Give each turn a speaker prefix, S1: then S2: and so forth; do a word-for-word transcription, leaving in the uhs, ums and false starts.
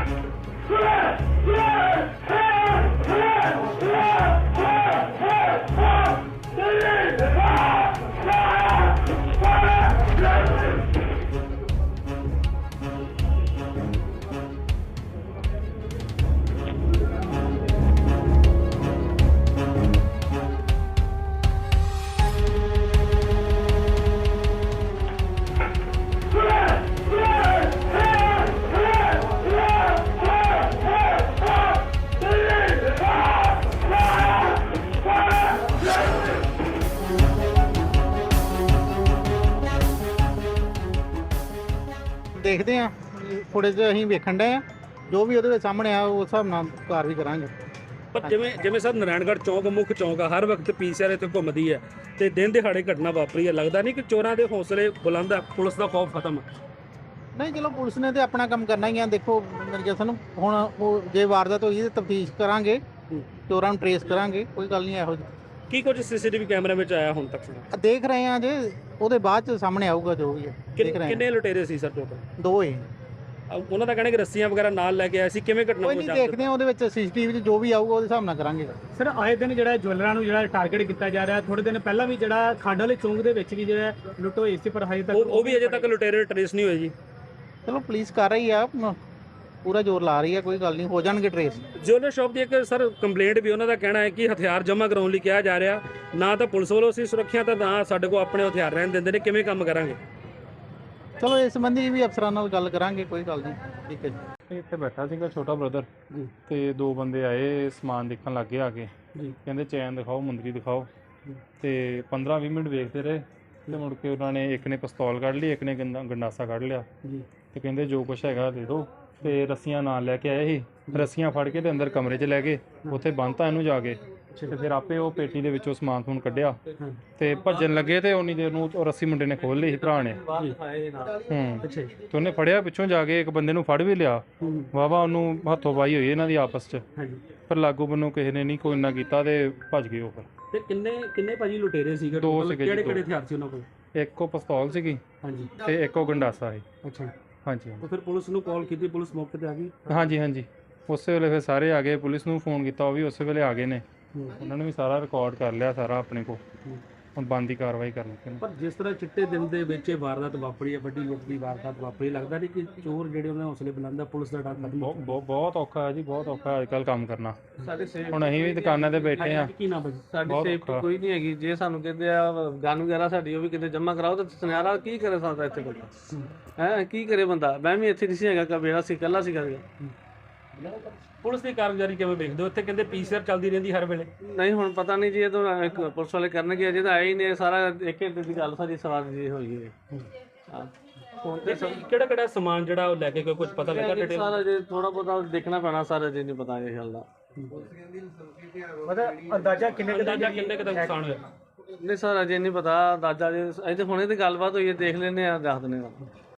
S1: देखते हैं फुटेज ਅਸੀਂ ਵੇਖਣ ਡਏ ਆ ਜੋ ਵੀ ਉਹਦੇ ਵਿੱਚ ਸਾਹਮਣੇ ਆ ਉਸ ਹਿਸਾਬ ਨਾਲ ਕਾਰਵਾਈ ਕਰਾਂਗੇ।
S2: ਪਰ ਜਿਵੇਂ ਜਿਵੇਂ ਸਰ ਨਾਰਾਇਣਗੜ੍ਹ ਚੌਂਕ ਮੁੱਖ ਚੌਂਕ ਆ, ਹਰ ਵਕਤ ਪੀਸੀਆਰ ਇੱਥੇ ਘੁੰਮਦੀ ਹੈ ਤੇ ਦਿਨ ਦਿਹਾੜੇ ਘਟਨਾ ਵਾਪਰੀ ਹੈ, ਲੱਗਦਾ ਨਹੀਂ ਕਿ ਚੋਰਾਂ ਦੇ ਹੌਸਲੇ ਬੁਲੰਦ ਆ, ਪੁਲਿਸ ਦਾ ਖੌਫ ਖਤਮ ਆ?
S1: ਨਹੀਂ ਚਲੋ ਪੁਲਿਸ ਨੇ ਤੇ ਆਪਣਾ ਕੰਮ ਕਰਨਾ ਹੀ ਆ। ਦੇਖੋ ਮੇਰੇ ਜਸਨ ਨੂੰ ਹੁਣ ਉਹ ਜੇ ਵਾਰਦਾਤ ਹੋਈ ਤੇ ਤਫਤੀਸ਼ ਕਰਾਂਗੇ, ਚੋਰਾਂ ਨੂੰ ਟਰੇਸ ਕਰਾਂਗੇ, ਕੋਈ ਗੱਲ ਨਹੀਂ ਇਹੋ ਜਿਹੀ।
S2: ਕੀ ਕੁਝ ਸੀਸੀਟੀਵੀ ਕੈਮਰੇ ਵਿੱਚ ਆਇਆ ਹੁਣ ਤੱਕ?
S1: ਦੇਖ ਰਹੇ ਆ ਜੇ ਉਹਦੇ ਬਾਅਦ ਚ ਸਾਹਮਣੇ ਆਊਗਾ ਜੋ ਵੀ ਹੈ। ਦੇਖ ਰਹੇ
S2: ਕਿੰਨੇ ਲੁਟੇਰੇ ਸੀ ਸਰ ਟੋਟਲ?
S1: ਦੋ ਹੀ
S2: ਉਹਨਾਂ ਦਾ ਕਹਿਣਾ ਕਿ ਰੱਸੀਆਂ ਵਗੈਰਾ ਨਾਲ ਲੈ ਕੇ ਆਏ ਸੀ, ਕਿਵੇਂ ਘਟਨਾ
S1: ਕੋਈ ਨਹੀਂ ਦੇਖਦੇ ਆ ਉਹਦੇ ਵਿੱਚ ਸੀਸੀਟੀਵੀ 'ਚ ਜੋ ਵੀ ਆਊਗਾ ਉਹਦੇ ਹਿਸਾਬ ਨਾਲ ਕਰਾਂਗੇ।
S3: ਸਰ ਆਏ ਦਿਨ ਜਿਹੜਾ ਜੁਐਲਰਾਂ ਨੂੰ ਜਿਹੜਾ ਟਾਰਗੇਟ ਕੀਤਾ ਜਾ ਰਿਹਾ, ਥੋੜੇ ਦਿਨ ਪਹਿਲਾਂ ਵੀ ਜਿਹੜਾ ਖੰਡ ਵਾਲੇ ਚੌਂਕ ਦੇ ਵਿੱਚ ਵੀ ਜਿਹੜਾ ਲੁੱਟ ਹੋਈ ਸੀ, ਪਰ ਹਜੇ ਤੱਕ
S2: ਉਹ ਵੀ ਅਜੇ ਤੱਕ ਲੁਟੇਰੇ ਟਰੇਸ ਨਹੀਂ ਹੋਏ ਜੀ।
S1: ਚਲੋ ਪੁਲਿਸ ਕਰ ਰਹੀ ਆ, ਪੂਰਾ ਜ਼ੋਰ ਲਾ ਰਹੀ ਆ, ਕੋਈ ਗੱਲ ਨਹੀਂ ਹੋ ਜਾਣਗੇ ਟਰੇਸ।
S2: ਜੁਐਲਰ ਸ਼ਾਪ ਦੀ ਇੱਕ ਸਰ ਕੰਪਲੇਂਟ ਵੀ ਉਹਨਾਂ ਦਾ ਕਹਿਣਾ ਹੈ ਕਿ ਹਥਿਆਰ ਜਮ੍ਹਾਂ ਕਰਾਉਣ ਲਈ ਕਿਹਾ ਜਾ ਰਿਹਾ, ਨਾ ਤਾਂ ਪੁਲਿਸ ਵੱਲੋਂ ਅਸੀਂ ਸੁਰੱਖਿਆ ਤਾਂ ਨਾ ਸਾਡੇ ਕੋਲ ਆਪਣੇ ਹਥਿਆਰ ਰਹਿਣ ਦਿੰਦੇ ਨੇ, ਕਿਵੇਂ ਕੰਮ ਕਰਾਂਗੇ?
S1: ਚਲੋ ਇਸ ਸੰਬੰਧੀ ਵੀ ਅਫਸਰਾਂ ਨਾਲ ਗੱਲ ਕਰਾਂਗੇ, ਕੋਈ ਗੱਲ ਨਹੀਂ। ਠੀਕ ਹੈ ਜੀ।
S4: ਇੱਥੇ ਬੈਠਾ ਸੀਗਾ ਛੋਟਾ ਬ੍ਰਦਰ ਤੇ ਦੋ ਬੰਦੇ ਆਏ, ਸਮਾਨ ਦੇਖਣ ਲੱਗੇ ਆ ਕੇ, ਕਹਿੰਦੇ ਚੈਨ ਦਿਖਾਓ, ਮੁੰਦਰੀ ਦਿਖਾਓ, ਤੇ ਪੰਦਰਾਂ ਵੀਹ ਮਿੰਟ ਵੇਖਦੇ ਰਹੇ ਤੇ ਮੁੜ ਕੇ ਉਹਨਾਂ ਨੇ ਇੱਕ ਨੇ ਪਿਸਤੌਲ ਕੱਢ ਲਈ, ਇੱਕ ਨੇ ਗੰਦਾ ਗੰਡਾਸਾ ਕੱਢ ਲਿਆ ਤੇ ਕਹਿੰਦੇ ਜੋ ਕੁਛ ਹੈਗਾ ਦੇ ਦਿਓ, ਤੇ ਰੱਸੀਆਂ ਨਾਲ ਲੈ ਕੇ ਆਏ ਸੀ, ਰੱਸੀਆਂ ਫੜ ਕੇ ਤੇ ਅੰਦਰ ਕਮਰੇ 'ਚ ਲੈ ਗਏ, ਉੱਥੇ ਬੰਨ੍ਹਤਾ ਇਹਨੂੰ ਜਾ ਕੇ, ਤੇ ਫਿਰ ਆਪੇ ਉਹ ਪੇਟੀ ਦੇ ਵਿੱਚੋਂ ਸਮਾਨ ਸਮੂਨ ਕੱਢਿਆ ਤੇ ਭੱਜਣ ਲੱਗੇ ਤੇ ਉਨੀ ਦੇਰ ਨੂੰ ਉਹ ਰੱਸੀ ਮੁੰਡੇ ਨੇ ਖੋਲ ਲਈ ਸੀ ਭਰਾ ਨੇ। ਹੂੰ ਤੇ ਉਹਨੇ ਫੜਿਆ ਪਿੱਛੋਂ ਜਾ ਕੇ, ਇੱਕ ਬੰਦੇ ਨੂੰ ਫੜ ਵੀ ਲਿਆ, ਵਾਹਵਾ ਉਹਨੂੰ ਹੱਥੋਂ ਪਾਈ ਹੋਈ ਇਹਨਾਂ ਦੀ ਆਪਸ 'ਚ, ਪਰ ਲਾਗੂ ਬੰਨੋਂ ਕਿਸੇ ਨੇ ਨਹੀਂ ਕੋਈ ਇੰਨਾ ਕੀਤਾ ਤੇ ਭੱਜ ਗਏ ਉਹ। ਫਿਰ
S2: ਤੇ ਕਿੰਨੇ ਕਿੰਨੇ ਭਾਜੀ ਲੁਟੇਰੇ ਸੀਗੇ?
S4: ਦੋ ਸੀਗੇ।
S2: ਕਿਹੜੇ ਕਿਹੜੇ ਹਥਿਆਰ ਸੀ ਉਹਨਾਂ ਕੋਲ?
S4: ਇੱਕ ਉਹ ਪਿਸਤੌਲ ਸੀਗੀ
S2: ਹਾਂਜੀ
S4: ਤੇ ਇੱਕ ਉਹ ਗੰਡਾਸਾ ਸੀ।
S2: ਅੱਛਾ,
S4: ਹਾਂਜੀ
S2: ਤਾਂ ਫਿਰ ਪੁਲਿਸ ਨੂੰ ਕਾਲ ਕੀਤੀ, ਪੁਲਿਸ ਮੌਕੇ ਤੇ ਆ ਗਈ?
S4: ਹਾਂਜੀ ਹਾਂਜੀ ਉਸੇ ਵੇਲੇ ਫਿਰ ਸਾਰੇ ਆ ਗਏ, ਪੁਲਿਸ ਨੂੰ ਫੋਨ ਕੀਤਾ, ਉਹ ਵੀ ਉਸੇ ਵੇਲੇ ਆ ਗਏ ਨੇ, ਉਹਨਾਂ ਨੇ ਵੀ ਸਾਰਾ ਰਿਕਾਰਡ ਕਰ ਲਿਆ ਸਾਰਾ ਆਪਣੇ ਕੋਲ, ਹੁਣ ਬਣਦੀ ਕਾਰਵਾਈ ਕਰਨੀ।
S2: ਪਰ ਜਿਸ ਤਰ੍ਹਾਂ ਚਿੱਟੇ ਦਿਨ ਦੇ ਵਿੱਚ ਇਹ ਵਾਰਦਾਤ ਵਾਪਰੀ ਹੈ, ਵੱਡੀ ਲੁੱਟ ਦੀ ਵਾਰਦਾਤ ਵਾਪਰੀ, ਲੱਗਦਾ ਨਹੀਂ ਕਿ ਚੋਰ ਜਿਹੜੇ ਉਹਨਾਂ ਹੌਸਲੇ ਬੁਲੰਦ ਆ, ਪੁਲਿਸ ਦਾ ਡਰ ਖਤਮ?
S4: ਬਹੁਤ ਬਹੁਤ ਔਖਾ ਹੈ ਜੀ, ਬਹੁਤ ਔਖਾ ਅੱਜ ਕੱਲ੍ਹ ਕੰਮ ਕਰਨਾ। ਹੁਣ ਅਸੀਂ ਵੀ ਦੁਕਾਨਾਂ ਤੇ ਬੈਠੇ ਆ,
S2: ਕੀ ਨਾ ਭਾਜੀ
S5: ਸਾਡੀ ਸੇਫਟੀ ਕੋਈ ਨਹੀਂ ਹੈਗੀ। ਜੇ ਸਾਨੂੰ ਕਹਿੰਦੇ ਆ ਗਨ ਵਗੈਰਾ ਸਾਡੀ ਉਹ ਵੀ ਕਿਤੇ ਜਮ੍ਹਾਂ ਕਰਾਓ, ਤਾਂ ਸੁਨਿਆਰਾ ਕੀ ਕਰੇ ਸਕਦਾ ਇੱਥੇ ਬੰਦਾ? ਹੈ ਕੀ ਕਰੇ ਬੰਦਾ? ਮੈਂ ਵੀ ਇੱਥੇ ਨਹੀਂ ਸੀ ਹੈਗਾ, ਕਬੇੜਾ ਸੀ, ਇਕੱਲਾ ਸੀ ਕਰਕੇ।
S2: ਪੁਲਿਸ ਦੀ ਕਾਰਗੁਜ਼ਾਰੀ ਕਿਵੇਂ ਵੇਖਦੇ ਹੋ? ਇੱਥੇ ਕਹਿੰਦੇ ਪੀਸੀਆਰ ਚੱਲਦੀ ਰਹਿੰਦੀ ਹਰ ਵੇਲੇ।
S5: ਨਹੀਂ ਹੁਣ ਪਤਾ ਨਹੀਂ ਜੀ, ਇਹ ਤਾਂ ਇੱਕ ਪੁਲਿਸ ਵਾਲੇ ਕਰਨਗੇ, ਅਜੇ ਤਾਂ ਆਏ ਹੀ ਨੇ। ਸਾਰਾ ਇੱਕ ਇੱਕ ਦੀ ਗੱਲ ਸਾਰੀ ਸਵਾਰ ਜੀ ਹੋਈ ਹੈ। ਹਾਂ ਹੁਣ ਤੇ
S2: ਕਿਹੜਾ ਕਿਹੜਾ ਸਮਾਨ ਜਿਹੜਾ ਉਹ ਲੈ ਕੇ ਕੋਈ ਕੁਝ ਪਤਾ ਲੱਗਾ ਡਿਟੇਲ?
S5: ਸਾਰਾ ਜੇ ਥੋੜਾ ਬਹੁਤਾ ਦੇਖਣਾ ਪੈਣਾ, ਸਾਰਾ ਜੇ ਨਹੀਂ ਪਤਾ ਇਹ ਗੱਲ ਦਾ।
S3: ਮਤਲਬ ਅੰਦਾਜ਼ਾ ਕਿੰਨੇ
S2: ਅੰਦਾਜ਼ਾ ਕਿੰਨੇ ਕੁ ਦਾ ਨੁਕਸਾਨ ਹੋਇਆ?
S5: ਨਹੀਂ ਸਰ ਅਜੇ ਨਹੀਂ ਪਤਾ ਅੰਦਾਜ਼ਾ, ਜੇ ਅਜੇ ਹੁਣੇ ਤੇ ਗੱਲਬਾਤ ਹੋਈ ਹੈ, ਦੇਖ ਲੈਂਦੇ ਆ, ਦੱਸ ਦਿੰਦੇ ਆ।